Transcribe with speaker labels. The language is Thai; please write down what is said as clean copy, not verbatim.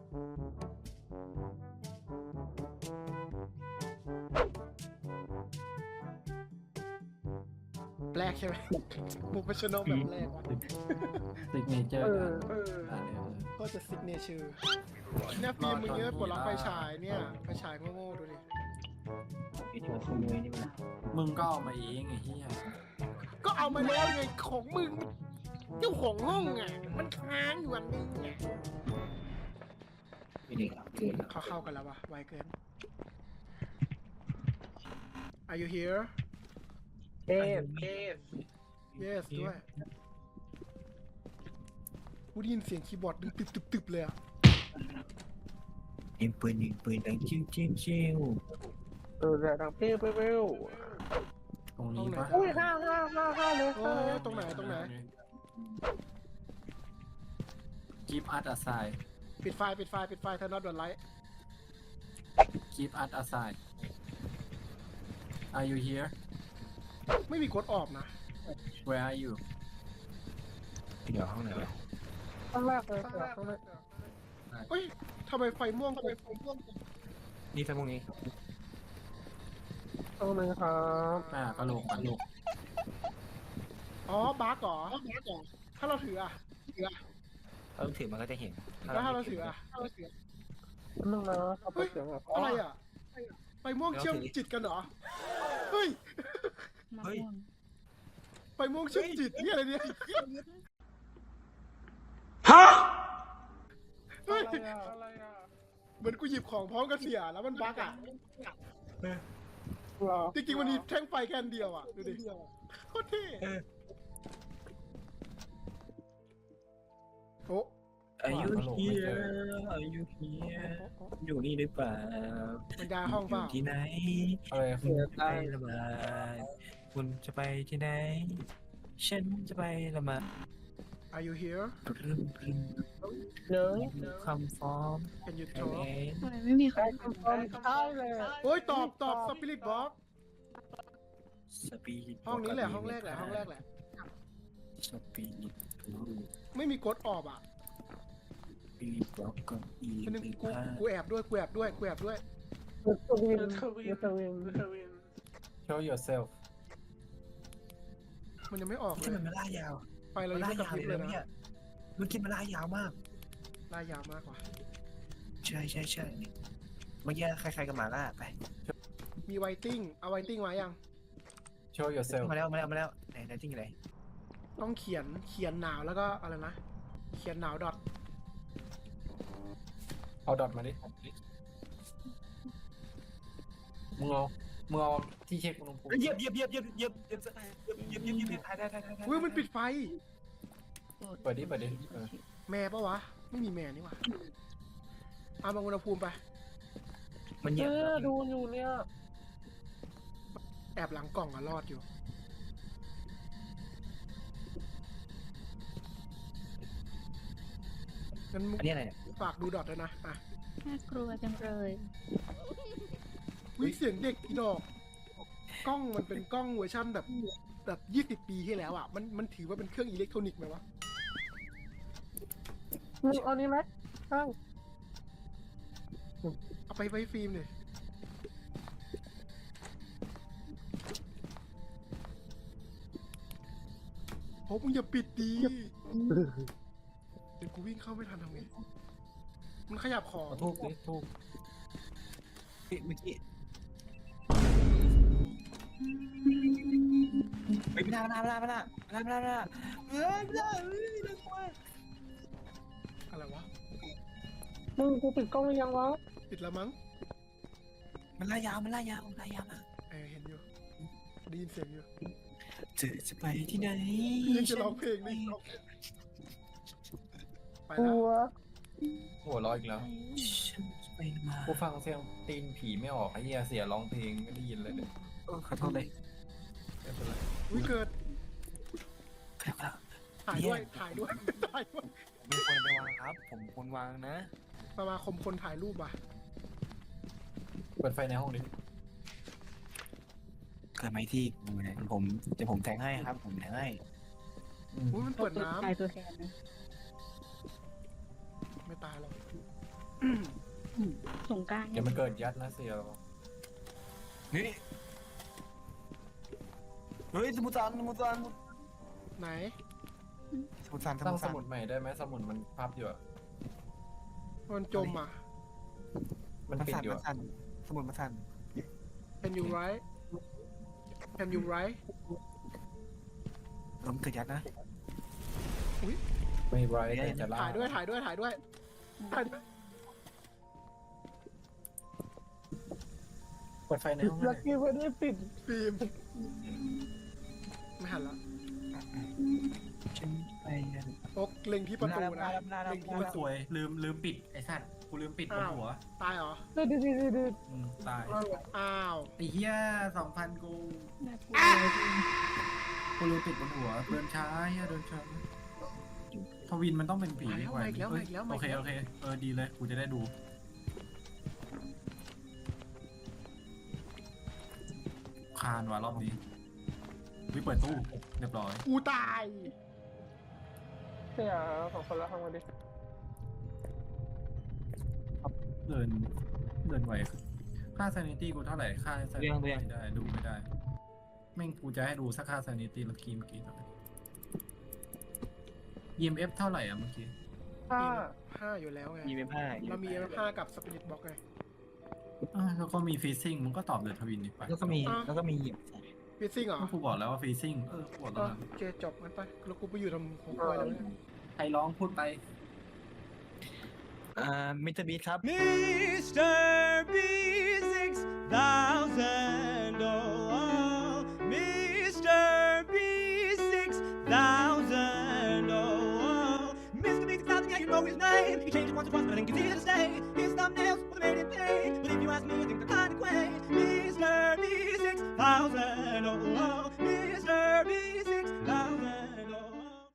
Speaker 1: แปลกใช่ไหมโปรเฟชชั่นอลแบบแรกวะ
Speaker 2: ซิกเนเจอร์
Speaker 1: ก็จะซิกเนเจอร์เนี่ยฟิล์มมึงเยอะปวดล็อกไฟฉายเนี่ยไฟฉายโง่ๆดูดิ
Speaker 3: ไอ้ตัวขโมยนี่มัน
Speaker 2: มึงก็เอามาเองไอ้เหี้ย
Speaker 1: ก็เอามาแล้วไงของมึงเจ้าของห้องอ่ะมันค้างอยู่อันนึงไง
Speaker 3: ไม่ได้เกิน
Speaker 1: เขาเข้ากันแล้ววะไวเกิน Are you here
Speaker 4: เทพ
Speaker 1: Yes ด้วยกูได้ยินเสียงคีย์บอร์ดดึงตึบๆเลยอ่ะ
Speaker 3: ยิงปืนดังจิ้ว
Speaker 4: ดังเปี้ยวเปี้ยว
Speaker 2: ตรงนี้ปะ
Speaker 4: อุ้ยห้าเลย
Speaker 1: โอ้ยตรงไหน
Speaker 2: กีฟอัดอะไซ
Speaker 1: ปิดไฟถ้าน็อตโดนไลท์
Speaker 2: กีฟอัดอะไซ Are you here
Speaker 1: ไม่มีกดออกนะ
Speaker 2: Where are you
Speaker 3: เดี๋ยวห้องไหนวะ
Speaker 4: ข้างแรกเลยข้างแรก
Speaker 1: เฮ้ยทำไมไฟม่วง
Speaker 3: นี่ทั้งพวกนี้
Speaker 4: ตรงนึงครับ
Speaker 2: กระโหลก
Speaker 1: อ๋อบั๊กเหรอถ้าเราถืออ่ะ
Speaker 3: ถ้าเราถือมันก็จะเห็น
Speaker 1: แล้วถ้าเราถืออ่ะ
Speaker 4: นึงนะเอาไปเสียง
Speaker 1: อะไรอ่ะไฟม่วงเชื่อมจิตกันเหรอเฮ้ยไฟม่วงเชื่อมจิตนี่อะไรเนี่ยเฮ้ย
Speaker 4: อะไรอ่ะ
Speaker 1: เหมือนกูหยิบของพร้อมกับเสียแล้วมันบั๊กอ่ะ
Speaker 4: หรอ
Speaker 1: จริงๆมันมีแท่งไฟแค่อันเดียวอ่ะดูดิโคตรเท่โอ้
Speaker 3: อายุเฮียอยู่นี่หรือเปล่า
Speaker 1: มันย้ายห้องเปล่า
Speaker 3: ที่ไหน
Speaker 2: อะไร
Speaker 3: คุณจะไประบายคุณจะไปที่ไหนฉันจะไปละมา
Speaker 1: Are you here
Speaker 3: ปรึ้ม
Speaker 4: เนย
Speaker 3: คำฟ้อง
Speaker 1: Can you
Speaker 3: เอ
Speaker 1: talk
Speaker 5: ทำไมไม่มีใคร
Speaker 4: ได้คำตอบใช่เลย
Speaker 1: โอ้ยตอบสปิริตบ็อก
Speaker 3: สปีด
Speaker 1: ห้องนี้แหละห้องแรกแหละ
Speaker 3: สปีด
Speaker 1: ไม่มีกดออกอ่ะ
Speaker 3: ปีดบล็อกก็อี
Speaker 1: คนนึงกูแอบด้วย
Speaker 4: ยูทวิน
Speaker 2: Show yourself
Speaker 1: มันยังไม่ออกเล
Speaker 3: ที่
Speaker 1: ย
Speaker 3: มันมาล่ายาว
Speaker 1: ไฟเรายังไม่กระพริบเลยนะ
Speaker 3: มันกินมาล่ายาวมาก
Speaker 1: ลายยาวมากกว่า
Speaker 3: ใช่เมื่อกี้ใครๆกันมาล่าไป
Speaker 1: มีไวติ้งเอาไวติ้งไว้ยัง
Speaker 2: Show yourself
Speaker 3: มาแล้วไหนทิ้งอะไร
Speaker 1: ต้องเขียนหนาวแล้วก็อะไรนะเขียนหนาวดอท
Speaker 2: เอาดอทมาดิมึงเอาที่เช็คอุณหภูมิ
Speaker 3: เหยียบถ่าย
Speaker 1: อุ้ยมันปิดไฟ
Speaker 2: เปิดดิ
Speaker 1: แม่ปะวะไม่มีแม่นี่หว่าเอามาอุณหภูมิไป
Speaker 3: มันเหยียบ
Speaker 4: ดูอยู่เนี่ย
Speaker 1: แอบหลังกล่องอะรอดอยู่งั้น
Speaker 3: อันนี้อะไรเนี่ย
Speaker 1: ฝากดูดอทด้วยนะอ่ะ
Speaker 5: น่ากลัวจังเลย
Speaker 1: วิเสียงเด็กอีดอกกล้องมันเป็นกล้องเวอร์ชั่นแบบ20 ปีที่แล้วอ่ะมันถือว่าเป็นเครื่องอิเล็กทรอนิกส์ไหมวะ
Speaker 4: เอานี้ไหมข้าง
Speaker 1: เอาไปไว้ฟิล์มเลยโอ้มึงอย่าปิดดีเดี๋ยวกูวิ่งเข้าไม่ทันทำไงมันขยับของ
Speaker 2: ทูบดิทูบ
Speaker 3: เมื่อกี้ไม่ได้
Speaker 1: อะไรวะ
Speaker 4: มึงกูปิดกล้องหรือยังวะ
Speaker 1: ปิดแล้วมั้ง
Speaker 3: มันล่ายาวมาก
Speaker 1: เห็นอยู่ได้ยินเสียงอยู่
Speaker 3: เธอจะไปที่ไหน
Speaker 1: ยังจะร้องเพลงนี่ไป
Speaker 4: ก
Speaker 1: แล้
Speaker 4: ลั
Speaker 1: ว
Speaker 4: ว
Speaker 2: หัวเร้ออีกแล้ว
Speaker 3: ฉันจะไปมา
Speaker 2: กูฟังเสียงตีนผีไม่ออกไอ้เหี้ยเสียร้องเพลงไม่ได้ยินเลยเนี่ย
Speaker 3: ขอโทษเลย
Speaker 2: ไม่เป็นไร
Speaker 1: อุ้ยเกิด
Speaker 3: ครับ
Speaker 1: ถ่ายด้วย
Speaker 3: ไม่ควรไปวางครับ ผมควรวางนะ
Speaker 1: สมาคมคนถ่ายรูปว่ะ
Speaker 2: เปิดไฟในห้องดิ
Speaker 3: เกิดไหมที่ผมเดี๋ยวผมแทงให้ครับ ผมแทงให้
Speaker 1: อุ้ยมันเปิดน้
Speaker 5: ตายตัวแทนนะ
Speaker 1: ำไม่ตายหรอก
Speaker 5: สงกราร
Speaker 2: เดี๋ยวมันเกิดยัดนะเสีย
Speaker 3: นี่เฮ้ยสมุทรสาครสมุทรสาคร
Speaker 1: ไหน
Speaker 3: สมุทรสาคร
Speaker 2: ตั้งสมุดใหม่ได้ไหมสมุดมันพับอยู่อะ
Speaker 1: มันจมอ่ะ
Speaker 2: มันปิดอยู่อะ
Speaker 3: สมุดมันสั่น
Speaker 1: Can you write Can you write
Speaker 3: ผมเกิดยัดนะ
Speaker 2: ไม่ไรแต่จะล่า
Speaker 1: ถ่ายด้วยถ่ายด้วยถ่ายด้วยถ่ายด้วย
Speaker 2: เปิดไฟในห้องหน่
Speaker 4: ลั
Speaker 2: อก ย
Speaker 4: กี้ไม่ได้ปิด
Speaker 1: ฟิล์มไม่หันละ
Speaker 3: ฉันไปกัน
Speaker 1: โอ๊กเล็งที่ประตูนะเล็งที่ประ
Speaker 3: ส
Speaker 1: ตู
Speaker 3: วยลืมปิดไอ้สัตว์กูลืมปิดบนหัว
Speaker 1: ตายเหรอ
Speaker 4: ดู
Speaker 3: ตาย
Speaker 1: อ้าว
Speaker 3: ไอ้เหี้ย2,000กูลืมปิดบนหัวเดินช้าเหี้ยเดินช้าทวินมันต้องเป็นผี
Speaker 1: มาอีกแล้วมาอีกแล้วมา
Speaker 3: โอ
Speaker 1: อีก
Speaker 3: เค
Speaker 1: แล้ว
Speaker 3: โอเคดีเลยกูจะได้ดูคานว่ะรอบนี้วิเปิดตู้เรียบร้อย
Speaker 1: กูตาย
Speaker 4: เนี่ย2 คนแล้วทำกันดิ
Speaker 3: เดินไหวค่า sanity กูเท่าไหร่ค่า sanity ไม่ได้ดูไม่ได้แม่งกูจะให้ดูสักค่า sanity แล้วกี้เมื่อกี้เท่าไหร่ EMF เท่าไหร่อ่ะเมื่อกี้
Speaker 1: 5อยู่แล้วไง
Speaker 3: EMF
Speaker 1: เรามี 5กับ Spirit Box ไง
Speaker 3: แล้วก็มี freezing มึงก็ตอบเดือดทวินอีกไป
Speaker 6: แล้วก็มี
Speaker 1: ฟิซซิ่งเหรอ
Speaker 3: ก็กูบอกแล้วว่า freezing กูบอกแล้วนะ
Speaker 1: โอเคจบงั้นไปแล้วกูไปอยู่ทำของกล้วยแล้วเนี่ย
Speaker 3: ใครร้องพูดไป
Speaker 6: มิสเตอร์บีครับ
Speaker 7: Mr. B6000, oh, Mr. B6000, oh, Mr. B6000, yeah, you know his name. He changed it once or twice, but I didn't consider to stay. His thumbnails were made in pain, but if you ask me, I think they're kind of quaint. Mr. B6000, oh,